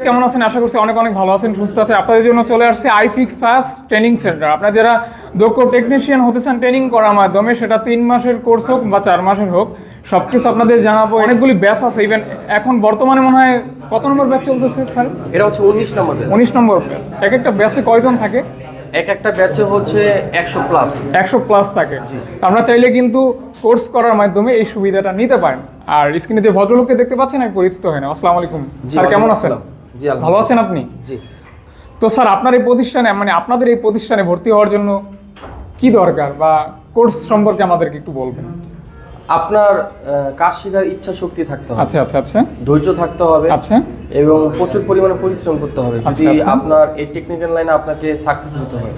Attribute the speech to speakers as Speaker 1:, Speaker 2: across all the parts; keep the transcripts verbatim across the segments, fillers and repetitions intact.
Speaker 1: কেমন আছেন? আশা করছি অনেক অনেক ভালো আছেন, সুস্থ আছেন। আপনাদের জন্য চলে আসছে আইফিক্স ফাস্ট ট্রেনিং সেন্টার। আপনারা যারা দক্ষ টেকনিশিয়ান হতে চান ট্রেনিং করার মাধ্যমে, সেটা তিন মাসের কোর্স হোক বা চার মাসের হোক, সব কিছু আপনাদের জানাবো। অনেকগুলি ব্যাচ আছে, ইভেন এখন বর্তমানে মনে হয় কত নম্বর ব্যাচ চলতেছে স্যার?
Speaker 2: এটা হচ্ছে উনিশ নম্বর ব্যাচ।
Speaker 1: উনিশ নম্বর ব্যাচ। এক একটা ব্যাচে কয়জন থাকে?
Speaker 2: এক একটা ব্যাচে হচ্ছে একশো প্লাস
Speaker 1: একশো প্লাস থাকে। আমরা চাইলে কিন্তু কোর্স করার মাধ্যমে এই সুবিধাটা নিতে পারেন। আর স্ক্রিনে যে ভদ্রলোককে দেখতে পাচ্ছেন, আমি পরিচিত হয় না। আসসালামু আলাইকুম স্যার, কেমন আছেন?
Speaker 2: জি,
Speaker 1: ভালো আছেন আপনি?
Speaker 2: জি।
Speaker 1: তো স্যার, আপনার এই প্রতিষ্ঠানে মানে আপনাদের এই প্রতিষ্ঠানে ভর্তি হওয়ার জন্য কি দরকার বা কোর্স সম্পর্কে আমাদেরকে একটু বলবেন।
Speaker 2: আপনার কাজ শেখার ইচ্ছা শক্তি থাকতে হবে।
Speaker 1: আচ্ছা আচ্ছা আচ্ছা।
Speaker 2: ধৈর্য থাকতে হবে।
Speaker 1: আচ্ছা।
Speaker 2: এবং প্রচুর পরিমাণে পরিশ্রম করতে হবে যদি
Speaker 1: আচ্ছা, আচ্ছা।
Speaker 2: আপনার এই টেকনিক্যাল লাইনে আপনাকে সাকসেস হতে হয়।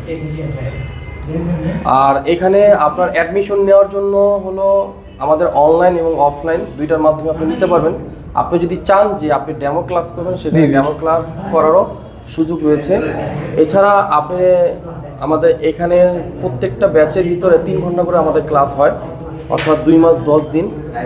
Speaker 2: আর এখানে আপনার অ্যাডমিশন নেওয়ার জন্য হলো আমাদের অনলাইন এবং অফলাইন দুইটার মাধ্যমে আপনি নিতে পারবেন। আপনি যদি চান যে আপনি ডেমো ক্লাস করবেন, সেখানে ডেমো ক্লাস করারও সুযোগ রয়েছে। এছাড়া আপনি আমাদের এখানে প্রত্যেকটা ব্যাচের ভিতরে তিন ঘন্টা করে আমাদের ক্লাস হয়, অর্থাৎ দুই মাস দশ দিন।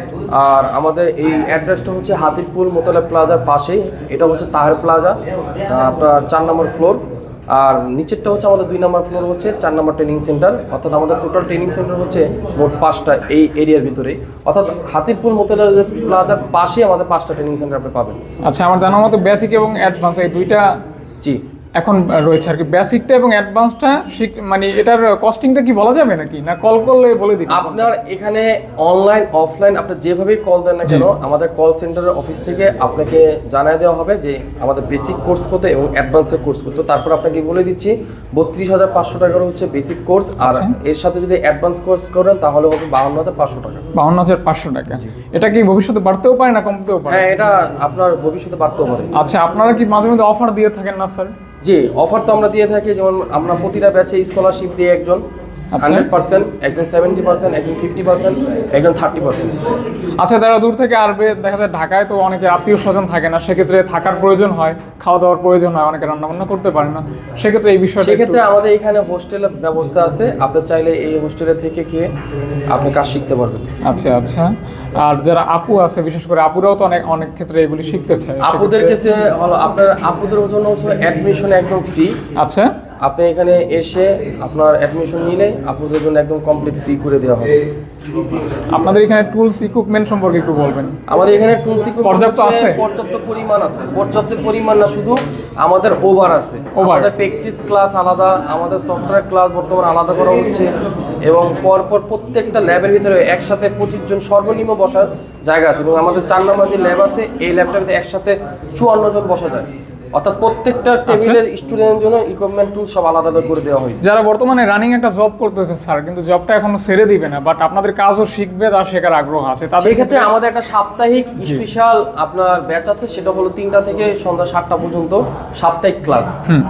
Speaker 2: আর আমাদের এই অ্যাড্রেসটা হচ্ছে হাতিরপুল মোতালেব প্লাজার পাশেই। এটা হচ্ছে তাহের প্লাজা, আপনার চার নম্বর ফ্লোর। আর নিচেরটা হচ্ছে আমাদের দুই নম্বর ফ্লোর, হচ্ছে চার নম্বর ট্রেনিং সেন্টার। অর্থাৎ আমাদের টোটাল ট্রেনিং সেন্টার হচ্ছে মোট পাঁচটা এই এরিয়ার ভিতরেই। অর্থাৎ হাতিরপুল মোতালেব প্লাজার পাশেই আমাদের পাঁচটা ট্রেনিং সেন্টার আপনি পাবেন।
Speaker 1: আচ্ছা, আমার জানা মতো বেসিক এবং অ্যাডভান্স এই দুইটা
Speaker 2: জি
Speaker 1: এখন রয়েছে আর কি। বেসিকটা এবং অ্যাডভান্সটা মানে এটার কস্টিংটা কি বলা যাবে নাকি, না কল করলে বলে দিই?
Speaker 2: আপনার এখানে অনলাইন অফলাইন আপনি যেভাবেই কল দেন না কেন, আমাদের কল সেন্টারের অফিস থেকে আপনাকে জানিয়ে দেওয়া হবে যে আমাদের বেসিক কোর্স কত এবং অ্যাডভান্সের কোর্স কত। তারপর আপনাকে বলে দিচ্ছি বত্রিশ হাজার পাঁচশো টাকার হচ্ছে বেসিক কোর্স, আর এর সাথে যদি অ্যাডভান্স কোর্স করেন তাহলে হবে বাহান্ন হাজার পাঁচশো টাকা।
Speaker 1: বাহান্ন হাজার পাঁচশো টাকা। এটা কি ভবিষ্যতে বাড়তেও পারে না কমতেও পারে?
Speaker 2: হ্যাঁ, এটা আপনার ভবিষ্যতে বাড়তেও পারে।
Speaker 1: আচ্ছা, আপনারা কি মাঝে মধ্যে অফার দিয়ে থাকেন না স্যার?
Speaker 2: জি, অফার তো আমরা দিয়ে থাকি। যেমন আমরা প্রতিটা ব্যাচে স্কলারশিপ দিয়ে একজন হান্ড্রেড পার্সেন্ট, একজন সেভেন্টি পার্সেন্ট, একজন ফিফটি পার্সেন্ট, একজন থার্টি পার্সেন্ট।
Speaker 1: আচ্ছা, যারা দূর থেকে আসবে, দেখা যায় ঢাকায় তো অনেকে আত্মীয় স্বজন থাকে না, সেক্ষেত্রে থাকার প্রয়োজন হয়, খাওয়া দাওয়ার প্রয়োজন হয়, অনেকে রান্নাবান্না করতে পারে না, সেক্ষেত্রে এই বিষয়টা
Speaker 2: সেক্ষেত্রে আমাদের এখানে হোস্টেলের ব্যবস্থা আছে। আপনি চাইলে এই হোস্টেলে থেকে খেয়ে আপনি কাজ শিখতে পারবেন।
Speaker 1: আচ্ছা আচ্ছা। আর যারা আপু আছে, বিশেষ করে আপুরাও তো অনেক অনেক ক্ষেত্রে এগুলি শিখতে চায়,
Speaker 2: আপুদের কাছে হলো আপনার আপুদের জন্য হচ্ছে অ্যাডমিশন একদম ফ্রি।
Speaker 1: আচ্ছা,
Speaker 2: আপনি এখানে এসে আপনার অ্যাডমিশন নিলে আপুদের জন্য একদম কমপ্লিট ফ্রি করে দেওয়া হবে।
Speaker 1: আপনাদের এখানে টুলস ইকুইপমেন্ট সম্পর্কে একটু বলবেন।
Speaker 2: আমাদের এখানে টুলস ইকুইপমেন্ট
Speaker 1: পর্যাপ্ত আছে?
Speaker 2: পর্যাপ্ত পরিমাণ আছে। পর্যাপ্ত পরিমাণ না, শুধু আমাদের ওভার আছে। আমাদের প্র্যাকটিস ক্লাস আলাদা, আমাদের সফটওয়্যার ক্লাস বর্তমানে আলাদা করা হচ্ছে, এবং পরপর প্রত্যেকটা ল্যাবের ভিতরে একসাথে পঁচিশ জন সর্বনিম্ন বসার জায়গা আছে। এবং আমাদের চার নম্বর যে ল্যাব আছে, এই ল্যাবটার ভিতরে একসাথে চুয়ান্ন জন বসা যায়। অর্থাৎ প্রত্যেকটা টেবিলের স্টুডেন্টের জন্য ইকুইপমেন্ট টুল সব আলাদা আলাদা করে দেওয়া হয়েছে।
Speaker 1: যারা বর্তমানে রানিং একটা জব করতেছে স্যার, কিন্তু জবটা এখনো ছেড়ে দিবে না, বাট আপনাদের কাজও শিখবে, তার শেখার আগ্রহ আছে, তাদের
Speaker 2: সেই ক্ষেত্রে আমাদের একটা সাপ্তাহিক স্পেশাল আপনার ব্যাচ আছে। সেটা হলো তিনটা থেকে সন্ধ্যা সাতটা পর্যন্ত সাপ্তাহিক ক্লাস।
Speaker 1: হুম,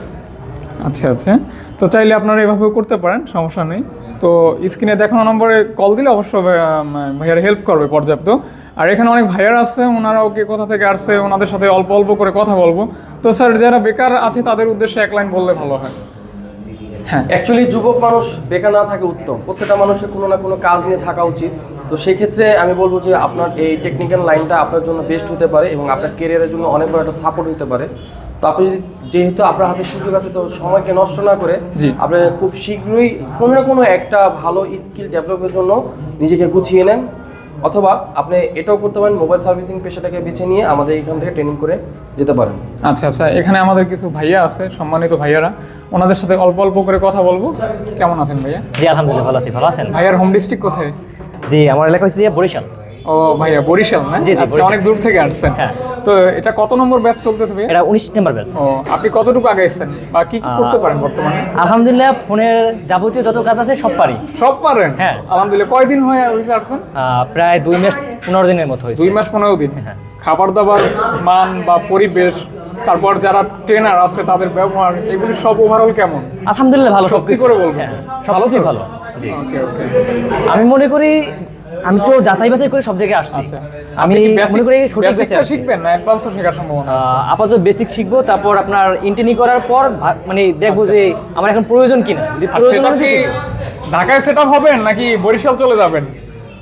Speaker 1: আচ্ছা আচ্ছা। তো চাইলে আপনারা এভাবেও করতে পারেন, সমস্যা নেই। তো স্ক্রিনে দেখানো নম্বরে কল দিলে অবশ্যই ভাইয়ার হেল্প করবে পর্যাপ্ত। আর এখানে অনেক ভাইয়ার আছে, ওনারাও কে কোথা থেকে আসছে, ওনাদের সাথে অল্প অল্প করে কথা বলবো। তো স্যার, যারা বেকার আছে তাদের উদ্দেশ্যে এক লাইন বললে ভালো হয়।
Speaker 2: হ্যাঁ, অ্যাকচুয়ালি যুবক মানুষ বেকার না থাকে উত্তম। প্রত্যেকটা মানুষের কোনো না কোনো কাজ নিয়ে থাকা উচিত। তো সেই ক্ষেত্রে আমি বলবো যে আপনার এই টেকনিক্যাল লাইনটা আপনার জন্য বেস্ট হতে পারে এবং আপনার ক্যারিয়ারের জন্য অনেক বড় একটা সাপোর্ট হতে পারে। তো আপনি যদি, যেহেতু আপনার হাতে সুযোগ আছে, তো সময়কে নষ্ট না করে আপনি খুব শীঘ্রই কোনো না কোনো একটা ভালো স্কিল ডেভেলপের জন্য নিজেকে গুছিয়ে নেন। অথবা আপনি এটাও করতে পারেন, মোবাইল সার্ভিসিং পেশাটাকে বেছে নিয়ে আমাদের এখান থেকে ট্রেনিং করে যেতে পারেন।
Speaker 1: আচ্ছা আচ্ছা। এখানে আমাদের কিছু ভাইয়া আছে, সম্মানিত ভাইয়ারা, ওনাদের সাথে অল্প অল্প করে কথা বলবো। কেমন আছেন ভাইয়া?
Speaker 3: জি আলহামদুলিল্লাহ ভালো আছি। ভালো আছেন?
Speaker 1: ভাইয়ার হোম ডিস্ট্রিক্ট কোথায়?
Speaker 3: জি, আমার এলাকা হচ্ছে বরিশাল।
Speaker 1: ও ভাইয়া, বরিশাল না?
Speaker 3: জি জি,
Speaker 1: আচ্ছা, অনেক দূর থেকে আসছেন।
Speaker 3: হ্যাঁ।
Speaker 1: তো এটা কত নম্বর ব্যাচ চলতেছে ভাইয়া?
Speaker 3: এটা উনিশ নম্বর ব্যাচ।
Speaker 1: ও, আপনি কতটুকু আগে এসেছেন বা কি কি করতে পারেন বর্তমানে?
Speaker 3: আলহামদুলিল্লাহ, ফোনের যাবতীয় যত কাজ আছে সব পারি।
Speaker 1: সব পারেন?
Speaker 3: হ্যাঁ
Speaker 1: আলহামদুলিল্লাহ। কয়দিন হয়ে হয়েছে আসছেন?
Speaker 3: প্রায় দুই মাস পনেরো দিনের মতো হয়েছে।
Speaker 1: দুই মাস পনেরো দিন।
Speaker 3: হ্যাঁ।
Speaker 1: খাবার দাবার মান বা পরিবেশ, তারপর যারা ট্রেনার আছে তাদের ব্যবহার, এগুলি সব ওভারঅল কেমন?
Speaker 3: আলহামদুলিল্লাহ ভালো।
Speaker 1: সত্যি করে বলবো?
Speaker 3: হ্যাঁ, সবকিছুই ভালো। জি,
Speaker 1: ওকে ওকে।
Speaker 3: আমি মনে করি আমি তো যাচাই বাছাই করে সব জায়গায় আসছি।
Speaker 1: আচ্ছা,
Speaker 3: আমি মনে করি
Speaker 1: বেসিকটা শিখবেন না অ্যাডভান্সও শেখার সম্ভাবনা আছে?
Speaker 3: আপাতত বেসিক শিখবো, তারপর আপনার ইন্টার্নি করার পর মানে দেখবো যে আমার এখন প্রয়োজন কিনা। যদি প্রয়োজন হয়
Speaker 1: ঢাকায় সেট আপ হবেন নাকি বরিশাল চলে যাবেন?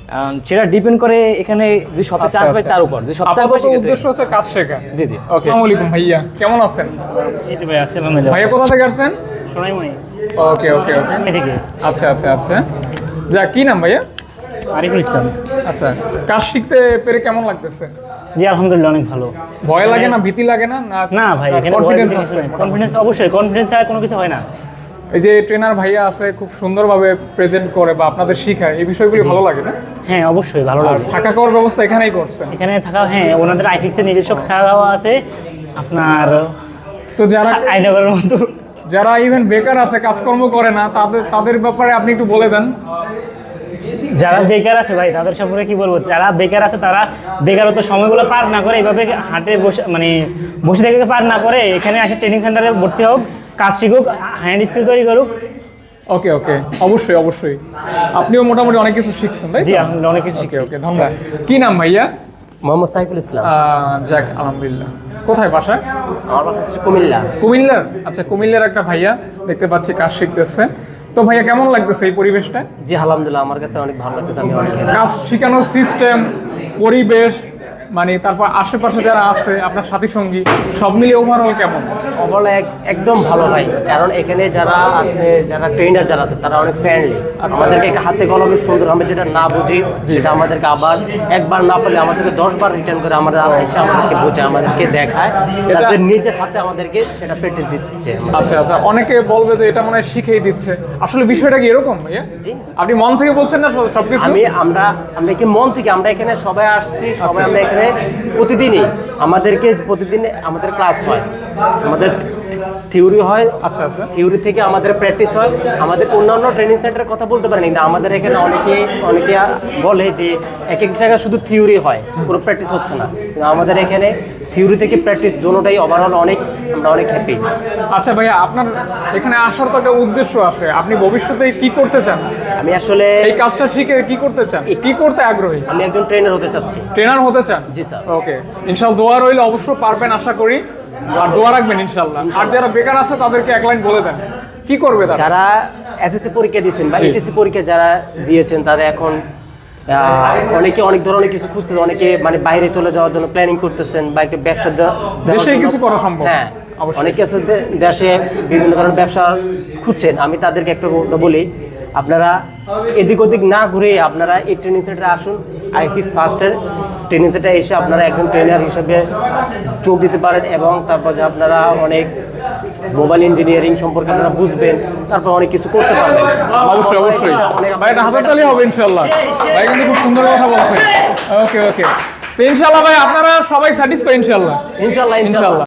Speaker 3: আহ, সেটা ডিপেন্ড করে এখানে যে শপে
Speaker 1: আচ্ছা,
Speaker 3: চান্স পাই
Speaker 1: আচ্ছা।
Speaker 3: তার উপর যে সব চান্স
Speaker 1: আপাতত উদ্দেশ্য হচ্ছে কাজ শেখা।
Speaker 3: জি জি
Speaker 1: ওকে, আসসালামু আলাইকুম ভাইয়া, কেমন আছেন?
Speaker 4: এই তো ভাই আছি আলহামদুলিল্লাহ।
Speaker 1: ভাইয়া কোথা থেকে আসছেন?
Speaker 4: সোনাইমণি
Speaker 1: ওকে ওকে ওকে,
Speaker 4: এদিকে
Speaker 1: আচ্ছা আচ্ছা আচ্ছা। যা, কি নাম ভাইয়া?
Speaker 4: আরিফুল ইসলাম।
Speaker 1: আচ্ছা, কাজ শিখতে পেরে কেমন লাগতেছে?
Speaker 4: জি আলহামদুলিল্লাহ অনেক ভালো।
Speaker 1: ভয় লাগে না, ভীতি লাগে না?
Speaker 4: না ভাই, এখানে
Speaker 1: কনফিডেন্স আছে?
Speaker 4: কনফিডেন্স অবশ্যই, কনফিডেন্স ছাড়া কোনো কিছু হয় না।
Speaker 1: এই যে ট্রেনার ভাইয়া আছে, খুব সুন্দরভাবে প্রেজেন্ট করে বা আপনাদের শিখায়, এই বিষয়গুলি ভালো লাগে না?
Speaker 4: হ্যাঁ অবশ্যই ভালো
Speaker 1: আর
Speaker 4: লাগে।
Speaker 1: থাকা খাওয়ার ব্যবস্থা এখানেই করছেন?
Speaker 4: এখানে থাকা, হ্যাঁ ওনাদের আইফিক্সের নিজস্ব থাকা খাওয়া আছে আপনার
Speaker 1: তো যারা
Speaker 4: আইনগরের মতো।
Speaker 1: যারা ইভেন বেকার আছে, কাজকর্ম করে না, তাদের তাদের ব্যাপারে আপনি একটু বলে দেন।
Speaker 4: যারা বেকার আছে ভাই তাদের সম্পর্কে কি বলবো, যারা বেকার আছে তারা বেকারত্ব সময়গুলো পার না করে এইভাবে হাটে বসে মানে বসে থেকে পার না করে এখানে আসে ট্রেনিং সেন্টারে ভর্তি হোক, কাজ শিখুক, হ্যান্ড স্কিল তৈরি করুক।
Speaker 1: ওকে ওকে, অবশ্যই অবশ্যই। আপনিও মোটামুটি অনেক কিছু শিখছেন, তাই তো?
Speaker 4: জি আলহামদুলিল্লাহ অনেক কিছু
Speaker 1: ওকে
Speaker 4: শিখছি।
Speaker 1: ওকে, ধন্যবাদ। কি নাম ভাইয়া?
Speaker 2: মোহাম্মদ সাইফুল ইসলাম।
Speaker 1: আহ, যাক আলহামদুলিল্লাহ। কোথায় বাসা?
Speaker 2: আমার বাসা হচ্ছে কুমিল্লা।
Speaker 1: কুমিল্লার? আচ্ছা, কুমিল্লার একটা ভাইয়া দেখতে পাচ্ছি কাজ শিখতেছে। তো ভাইয়া কেমন লাগতেছে এই পরিবেশটা?
Speaker 2: জি আলহামদুলিল্লাহ, আমার কাছে অনেক ভালো লাগতেছে। আমি অনেক
Speaker 1: কাজ শেখানোর সিস্টেম, পরিবেশ, মানে তারপর আশেপাশে যারা আছে আপনার সাথী সঙ্গী, সব মিলিয়ে ওভারঅল কেমন?
Speaker 5: ওভারঅল একদম ভালো ভাই, কারণ এখানে যারা আছে, যারা ট্রেনার যারা আছে তারা অনেক ফ্রেন্ডলি। আমাদেরকে হাতে কলমে সুন্দর, আমরা যেটা না বুঝি সেটা আমাদেরকে আবার একবার না পারলে আমাদেরকে দশ বার রিটার্ন করে আমাদের এসে আমাদেরকে বোঝে, আমাদেরকে দেখায়, তাদের নিজের হাতে আমাদেরকে সেটা প্র্যাকটিস দিচ্ছে।
Speaker 1: আচ্ছা আচ্ছা, অনেকে বলবে যে এটা মনে হয় শিখেই দিচ্ছে, আসলে বিষয়টা কি এরকম ভাইয়া?
Speaker 5: জি।
Speaker 1: আপনি মন থেকে বলছেন না সব- সবকিছু?
Speaker 5: আমি আমরা আমরা কি মন থেকে, আমরা এখানে সবাই আসছি, সবাই আমরা এখানে প্রতিদিনই আমাদেরকে প্রতিদিন আমাদের ক্লাস হয়, আমাদের থিওরি হয়।
Speaker 1: আচ্ছা আচ্ছা,
Speaker 5: থিওরি থেকে আমাদের প্র্যাকটিস হয়। আমাদের অন্যান্য ট্রেনিং সেন্টারের কথা বলতে পারেন, কিন্তু আমাদের এখানে অনেকে অনেকে বলে যে এক এক জায়গায় শুধু থিওরি হয়, কোনো প্র্যাকটিস হচ্ছে না, কিন্তু আমাদের এখানে থিওরি থেকে প্র্যাকটিস দুটোটাই ওভারঅল অনেক, আমরা অনেক হ্যাপি।
Speaker 1: আচ্ছা ভাইয়া, আপনার এখানে আসার তো একটা উদ্দেশ্য আছে, আপনি ভবিষ্যতে কি করতে চান?
Speaker 5: আমি আসলে
Speaker 1: এই কাজটা শিখে কি করতে চান, কি করতে আগ্রহী?
Speaker 5: আমি একজন ট্রেনার হতে চাচ্ছি।
Speaker 1: ট্রেনার হতে চান?
Speaker 5: জি স্যার।
Speaker 1: ওকে, ইনশাআল্লাহ দোয়া রইলে অবশ্য পারবেন আশা করি, আর দোয়া রাখবেন ইনশাআল্লাহ। আর যারা বেকার আছে তাদেরকে এক লাইন বলে দেন, কি করবে তারা?
Speaker 5: যারা এসএসসি পরীক্ষা দিয়েছেন বা
Speaker 1: জি।
Speaker 5: এইচএসসি পরীক্ষা যারা দিয়েছেন, তারা এখন আহ, অনেকে অনেক ধরনের কিছু খুঁজতেছেন, অনেকে মানে বাইরে চলে যাওয়ার জন্য প্ল্যানিং করতেছেন বা একটা ব্যবসা দেওয়া- দেওয়ার
Speaker 1: দেশেই
Speaker 5: জন্য-
Speaker 1: কিছু করা সম্ভব।
Speaker 5: হ্যাঁ,
Speaker 1: অবশ্যই।
Speaker 5: অনেকে আছে দে- দেশে বিভিন্ন ধরনের ব্যবসা খুঁজছেন। আমি তাদেরকে একটা কথা বলি, আপনারা এদিক ওদিক না ঘুরে আপনারা এই ট্রেনিং সেন্টারে আসুন। আইফিক্স ফার্স্টের ট্রেনিং সেন্টারে এসে আপনারা একজন ট্রেনার হিসেবে যোগ দিতে পারেন, এবং তারপর যে আপনারা অনেক মোবাইল ইঞ্জিনিয়ারিং সম্পর্কে আপনারা বুঝবেন, তারপর অনেক কিছু করতে পারবেন।
Speaker 1: অবশ্যই অবশ্যই
Speaker 5: অনেক-
Speaker 1: ভাই, এটা হাততালি হবে ইনশাআল্লাহ। ভাই কিন্তু খুব সুন্দর কথা বলছেন। ওকে ওকে, তো ইনশাআল্লাহ ভাই আপনারা সবাই স্যাটিসফাই ইনশাআল্লাহ।
Speaker 5: ইনশাল্লাহ ইনশাল্লাহ
Speaker 1: ইনশাআল্লাহ।